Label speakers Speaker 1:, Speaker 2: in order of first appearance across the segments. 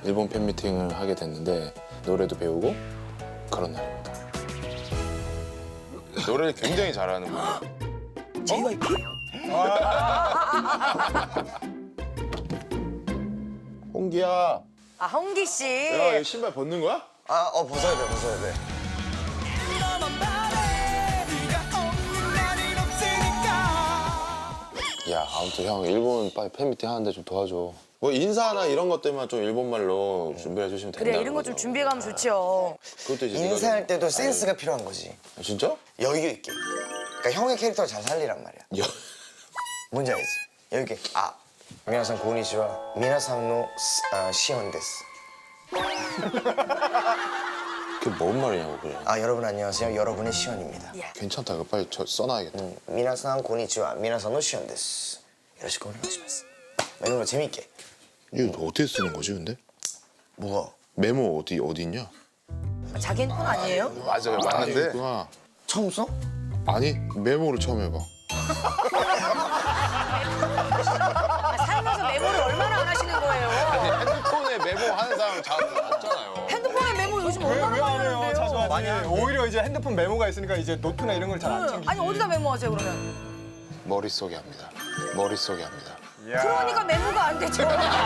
Speaker 1: 일본 팬미팅을 하게 됐는데 노래도 배우고 그런 날입니다. 노래를 굉장히 잘하는 분이에요.
Speaker 2: JYP?
Speaker 1: 홍기야.
Speaker 2: 아, 홍기 씨.
Speaker 1: 야, 신발 벗는 거야?
Speaker 3: 벗어야 돼, 벗어야 돼.
Speaker 1: 야, 아무튼 형 일본 빨리 팬미팅 하는데 좀 도와줘. 뭐 인사나 이런 것 때문에 좀 일본말로 준비해 주시면 된다.
Speaker 2: 그래, 이런 거 좀 준비해 가면 좋죠.
Speaker 1: 그것도 이제 네가
Speaker 3: 인사할
Speaker 1: 좀-
Speaker 3: 때도 센스가 필요한 거지.
Speaker 1: 아, 진짜?
Speaker 3: 여유 있게. 그러니까 형의 캐릭터를 잘 살리란 말이야.
Speaker 1: 야,
Speaker 3: 뭔지 알지? 여유 있게. 미나상 고니치와 미나상노 시온 데스.
Speaker 1: 그게 뭔 말이냐고 그래.
Speaker 3: 여러분 안녕하세요. 여러분의 시온입니다.
Speaker 1: 괜찮다. 이거 빨리 써놔야겠다.
Speaker 3: 미나상 고니치와 미나상노 시온 데스. 요러시고 오네가시마스. 이런 거 재밌게.
Speaker 1: 이거 어떻게 쓰는 거지 근데?
Speaker 3: 뭐가?
Speaker 1: 메모 어디 있냐?
Speaker 2: 자기 핸드폰 아니에요?
Speaker 1: 맞아요, 맞는데. 있구나.
Speaker 3: 처음 써?
Speaker 1: 아니 메모를 처음 해봐.
Speaker 2: 살면서 메모를 얼마나 안 하시는 거예요?
Speaker 1: 핸드폰에 메모 하는 사람 잘 없잖아요.
Speaker 2: 핸드폰에 메모 요즘 얼마나 많이 하는데요?
Speaker 4: 자주 하지. 오히려 이제 핸드폰 메모가 있으니까 이제 노트나 이런 걸 잘 안 챙기지.
Speaker 2: 아니, 어디다 메모하세요, 그러면?
Speaker 1: 머릿속에 합니다. 머릿속에 합니다.
Speaker 2: 그러니까 메모가 안 되죠.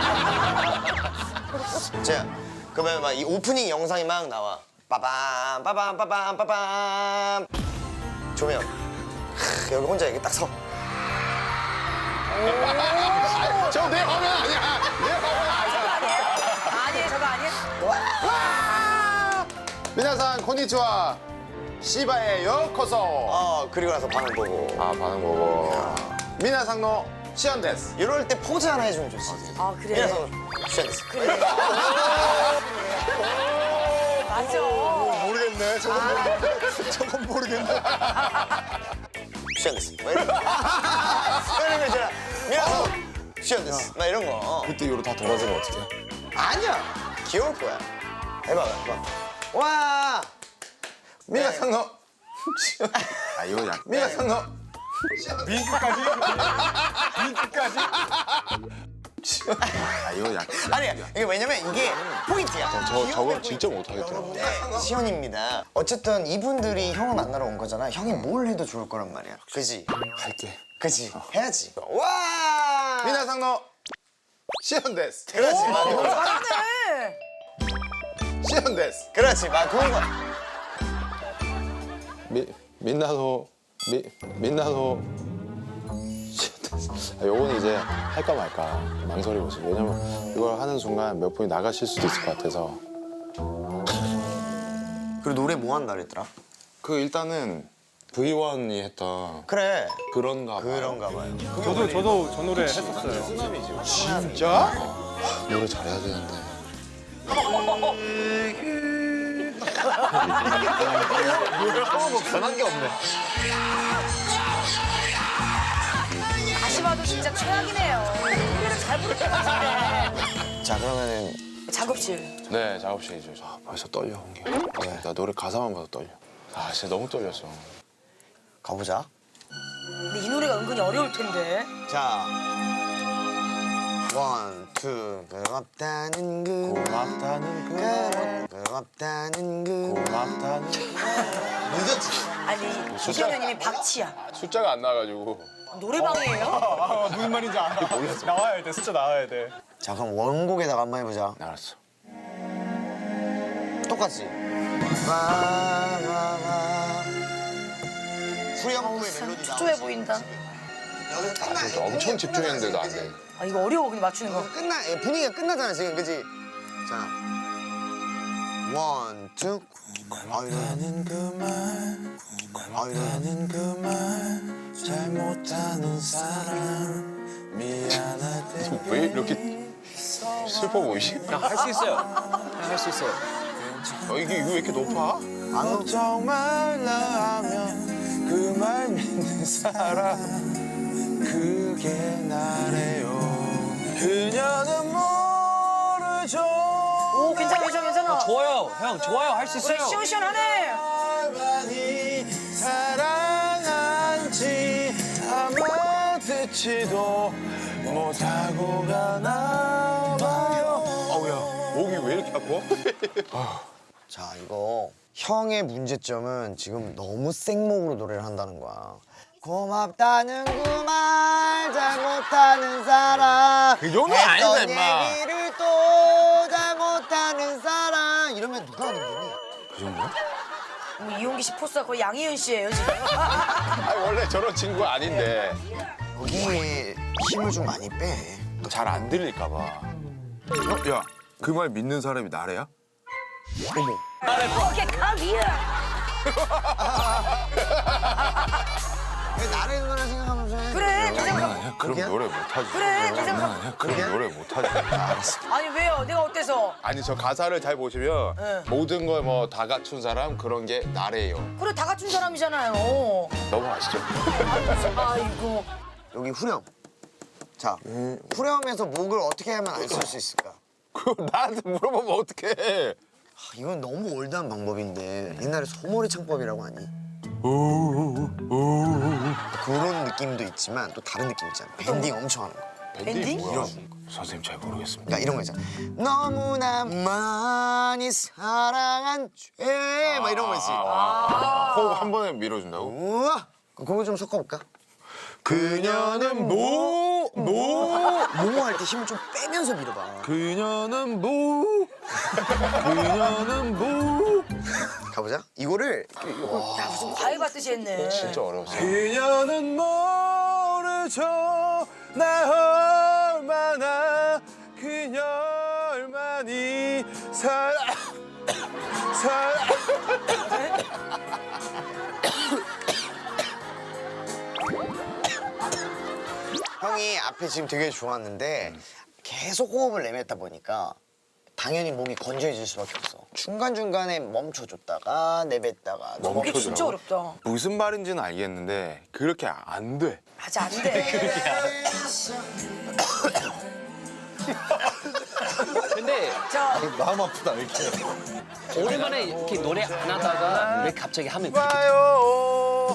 Speaker 3: 자, 그러면 막 이 오프닝 영상이 막 나와. 빠밤 빠밤 빠밤 빠밤. 조명. 여기 혼자 이렇게 딱 서.
Speaker 1: 저 내 화면 아니야. 내 화면 아니야.
Speaker 2: 아니에요, 저거 아니에요?
Speaker 1: 미나상 콘니치와 시바에 요코소.
Speaker 3: 그리고 나서 반응 보고.
Speaker 1: 반응 보고. 미나상노 시온 데스.
Speaker 3: 이럴 때 포즈 하나 해주면 좋지.
Speaker 2: 아, 그래.
Speaker 3: 미나상 시온 데스.
Speaker 2: 맞아.
Speaker 4: 모르겠네. 저건 모르겠네.
Speaker 3: 시온 데스. 막 이런 거. 이런 거 있잖아. 미나상 시온 데스. 막 이런 거.
Speaker 1: 그때 이후로 다 돌아서면 어떡해?
Speaker 3: 아니야. 귀여울 거야. 해봐, 해봐. 와.
Speaker 1: 미나상노 시온. 이거 약. 미나상노
Speaker 4: 윙크까지? 윙크까지?
Speaker 1: 이거 약.
Speaker 3: 아니야. 이게 왜냐면 이게 포인트야.
Speaker 1: 저건 진짜 못하겠더라고.
Speaker 3: 시온입니다. 어쨌든 이분들이 형을 만나러 온 거잖아. 형이 뭘 해도 좋을 거란 말이야. 그지?
Speaker 1: 할게.
Speaker 3: 그지? 해야지. 와!
Speaker 1: 미나상노 시온 데스.
Speaker 3: 그렇지.
Speaker 2: 잘하네.
Speaker 1: 시온 데스.
Speaker 3: 그렇지. 막 그런 거.
Speaker 1: 민나노 요건 이제 할까 말까 망설이고 있어요. 왜냐면 이걸 하는 순간 몇 분이 나가실 수도 있을 것 같아서.
Speaker 3: 그리고 노래 뭐 한다 그랬더라?
Speaker 1: 일단은 V1이 했던
Speaker 3: 그래.
Speaker 1: 그런가 봐요.
Speaker 3: 그런가 봐요.
Speaker 4: 저도 저 노래 했었어요.
Speaker 1: 쓰나미지. 진짜? 노래 잘해야 되는데.
Speaker 3: 변한 게 없네.
Speaker 2: 다시 봐도 진짜 최악이네요. 노래를 잘 부를 것 같은데.
Speaker 3: 자, 그러면은
Speaker 2: 작업실.
Speaker 1: 네, 작업실이죠. 벌써 떨려, 홍기. 네, 나 노래 가사만 봐도 떨려. 진짜 너무 떨렸어.
Speaker 3: 가보자.
Speaker 2: 근데 이 노래가 은근히 어려울 텐데.
Speaker 3: 자. 원, 투. 고맙다는 그.
Speaker 1: 고맙다는
Speaker 3: 고맙다는 그.
Speaker 1: 고맙다는
Speaker 3: 늦었지?
Speaker 2: 아니, 이경현님이 박치야.
Speaker 1: 숫자가 안 나와가지고.
Speaker 2: 노래방이에요?
Speaker 4: 무슨 말인지 알아. 나와야 돼. 숫자 나와야 돼.
Speaker 3: 자, 그럼 원곡에다가 한번 해보자.
Speaker 1: 알았어.
Speaker 3: 똑같이. 와와와. 후렴구의 멜로디
Speaker 2: 초조해 보인다.
Speaker 3: 여기서 끝나.
Speaker 1: 진짜 엄청 집중했는데도 안 돼.
Speaker 2: 아, 이거 어려워, 근데 맞추는 거.
Speaker 3: 분위기가 끝나잖아 지금, 그지? 자, 원, 투. 고맙다는 그만, 고맙다는 그만, 잘못하는 사람, 미안하대.
Speaker 1: 왜 이렇게 슬퍼 보이지?
Speaker 5: 할 수 있어요. 할 수 있어요.
Speaker 1: 이거 왜 이렇게 높아?
Speaker 3: 걱정 말라 하면 그 말 믿는 사람, 그게 나래요. 그녀는 모르죠.
Speaker 2: 오, 괜찮아, 괜찮아, 괜찮아.
Speaker 5: 좋아요. 형, 좋아요. 할 수
Speaker 2: 우리
Speaker 5: 있어요.
Speaker 2: 시원시원하네.
Speaker 3: 많이 사랑한지 아마 듣지도 못하고 가나 봐요. 어우야.
Speaker 1: 목이 왜 이렇게 아파?
Speaker 3: 자, 이거 형의 문제점은 지금 너무 생목으로 노래를 한다는 거야. 고맙다는 그 말 잘못하는 사람
Speaker 1: 그 정도 아니다,
Speaker 3: 했던
Speaker 1: 임마.
Speaker 3: 얘기를 또 잘못하는 사람 이러면 누가 하는 거니?
Speaker 1: 그 정도야?
Speaker 2: 이용기 씨 포스가 거의 양희은 씨예요 지금.
Speaker 1: 아니 원래 저런 친구가 아닌데
Speaker 3: 여기에 힘을 좀 많이 빼.
Speaker 1: 잘 안 들릴까 봐. 야, 그 말 믿는 사람이 나래야?
Speaker 2: 오케이 가비야.
Speaker 3: 왜 나를 누나 생각하면서 해?
Speaker 2: 그래 네 생각.
Speaker 1: 아니야, 그럼
Speaker 3: 그렇게야?
Speaker 1: 노래 못하지.
Speaker 2: 그래 네 생각.
Speaker 1: 아니야, 그럼 노래 못하지.
Speaker 2: 아니 왜요? 내가 어때서?
Speaker 1: 아니 저 가사를 잘 보시면
Speaker 2: 네.
Speaker 1: 모든 걸 뭐 다 갖춘 사람 그런 게 나래요.
Speaker 2: 그래 다 갖춘 사람이잖아요.
Speaker 1: 넘어가시죠.
Speaker 2: 아이고.
Speaker 3: 여기 후렴. 자, 후렴에서 목을 어떻게 하면 안 쓸 수 있을까?
Speaker 1: 그거 나한테 물어보면 어떡해.
Speaker 3: 이건 너무 올드한 방법인데 옛날에 소머리 창법이라고 하니? 그런 느낌도 있지만 또 다른 느낌 있잖아. 밴딩 엄청 하는 거.
Speaker 2: 밴딩?
Speaker 1: 이런 선생님 잘 모르겠습니다.
Speaker 3: 그러니까 이런 거 있잖아. 너무나 많이 사랑한 죄. 막 이런 거 있지.
Speaker 1: 호흡 한 번에 밀어준다고?
Speaker 3: 우와. 그거 좀 섞어볼까?
Speaker 1: 그녀는
Speaker 3: 모모 할 때 힘을 좀 빼면서 밀어봐.
Speaker 1: 그녀는 그녀는
Speaker 3: 가보자. 이거를
Speaker 2: 야 무슨 과외 받듯이 했네.
Speaker 1: 진짜 어려웠어. 그녀는 모르죠 나 얼마나 그녀를 많이
Speaker 3: 형이 앞에 지금 되게 좋았는데 계속 호흡을 내뱉다 보니까 당연히 몸이 건조해질 수밖에 없어. 중간중간에 멈춰줬다가 내뱉다가
Speaker 2: 그게 진짜 어렵다.
Speaker 1: 무슨 말인지는 알겠는데 그렇게 안 돼.
Speaker 2: 맞아 안 돼.
Speaker 5: 근데
Speaker 2: 자
Speaker 4: 마음 아프다 이렇게.
Speaker 5: 오랜만에 이렇게 노래 안 하다가 왜 갑자기 하면 돼?
Speaker 1: 와요.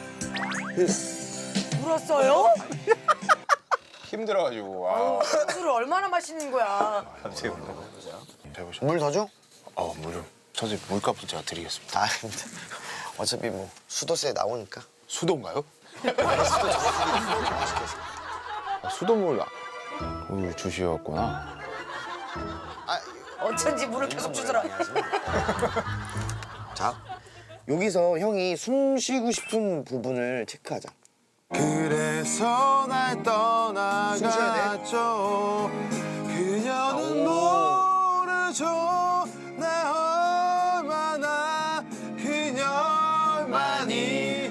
Speaker 2: 울었어요?
Speaker 1: 힘들어가지고. 와.
Speaker 2: 술을 얼마나 마시는 거야?
Speaker 1: 해보셔.
Speaker 3: 물 더 줘?
Speaker 1: 물 좀. 선생님 물값은 제가 드리겠습니다.
Speaker 3: 아, 어차피 뭐 수도세 나오니까.
Speaker 1: 수도인가요? 수도물 주시었구나.
Speaker 3: 아,
Speaker 2: 어쩐지 물을 계속 주더라.
Speaker 3: 자, 여기서 형이 숨 쉬고 싶은 부분을 체크하자.
Speaker 1: 그래서 날
Speaker 3: 숨 쉬어야
Speaker 1: 떠나갔죠. 그녀는 모르죠. 나 얼마나 그녀를 많이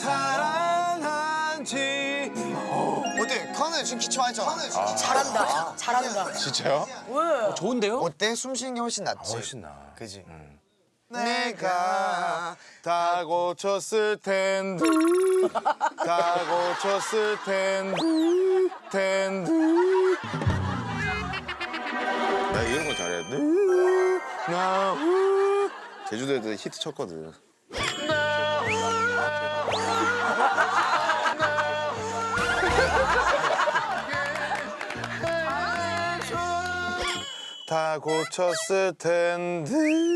Speaker 1: 사랑한지.
Speaker 3: 어때? 카네 지금 기초하잖아.
Speaker 2: 잘한다. 잘한다.
Speaker 1: 진짜요?
Speaker 2: 왜?
Speaker 5: 좋은데요?
Speaker 3: 어때? 숨 쉬는 게 훨씬 낫지?
Speaker 1: 훨씬 나.
Speaker 3: 그지?
Speaker 1: 내가 다 고쳤을 텐데 다 고쳤을 텐데 나 이런 거 잘해. 나 제주도에도 히트 쳤거든. 다 고쳤을 텐데.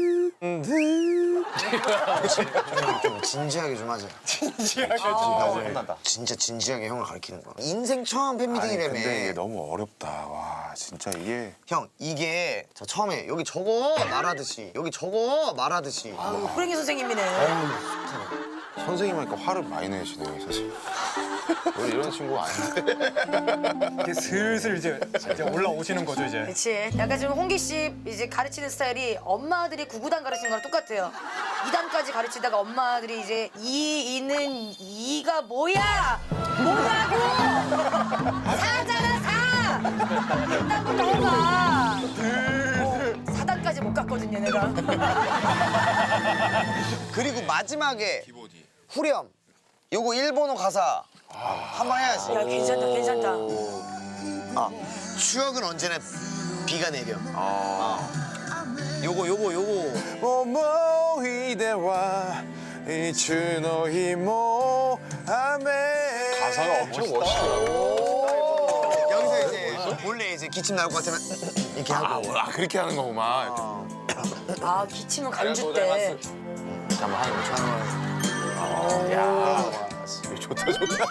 Speaker 3: 좀 진지하게 좀 하자.
Speaker 4: 한다.
Speaker 3: 진짜 진지하게 형을 가르치는 거야. 인생 처음
Speaker 1: 아니
Speaker 3: 팬미팅이라며.
Speaker 1: 근데 이게 너무 어렵다. 와 진짜 이게.
Speaker 3: 형, 이게 자, 처음에 여기 저거 말하듯이 여기 저거 말하듯이
Speaker 2: 아유, 호랭이 선생님이네.
Speaker 1: 선생님 하니까 화를 많이 내시네요 사실. 원래 이런 친구가 아닌데.
Speaker 4: 이제 슬슬 이제 올라오시는 거죠 이제.
Speaker 2: 그렇지. 약간 지금 홍기 씨 이제 가르치는 스타일이 엄마들이 구구단 가르치는 거랑 똑같아요. 2단까지 가르치다가 엄마들이 이제 이는 이가 뭐야? 뭐라고? 사잖아 사. 1단부터 해봐. 4단까지 못 갔거든요 내가.
Speaker 3: 그리고 마지막에 후렴 요거 일본어 가사 한번 해야지.
Speaker 2: 야 괜찮다 괜찮다.
Speaker 3: 아, 추억은 언제나 비가 내려. 요거
Speaker 1: 모모히데와 이츠노히모 아메. 가사가 엄청 멋있더라고.
Speaker 3: 여기서 이제 원래 이제 기침 나올 것 같으면 이렇게 하고.
Speaker 1: 그렇게 하는 거구만.
Speaker 2: 아 기침은 간주 때.
Speaker 1: 잠깐만 하는 거. 야, 좋다 좋다.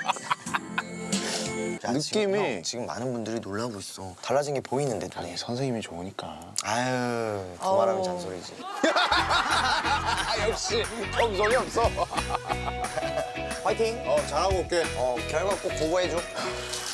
Speaker 3: 야,
Speaker 1: 느낌이-
Speaker 3: 지금 많은 분들이 놀라고 있어. 달라진 게 보이는데 눈에.
Speaker 1: 아니 선생님이 좋으니까.
Speaker 3: 아유, 두말하면 잔소리지.
Speaker 1: 역시 겸손이 없어.
Speaker 3: 파이팅.
Speaker 1: 잘하고 올게.
Speaker 3: 결과 꼭 보고해줘.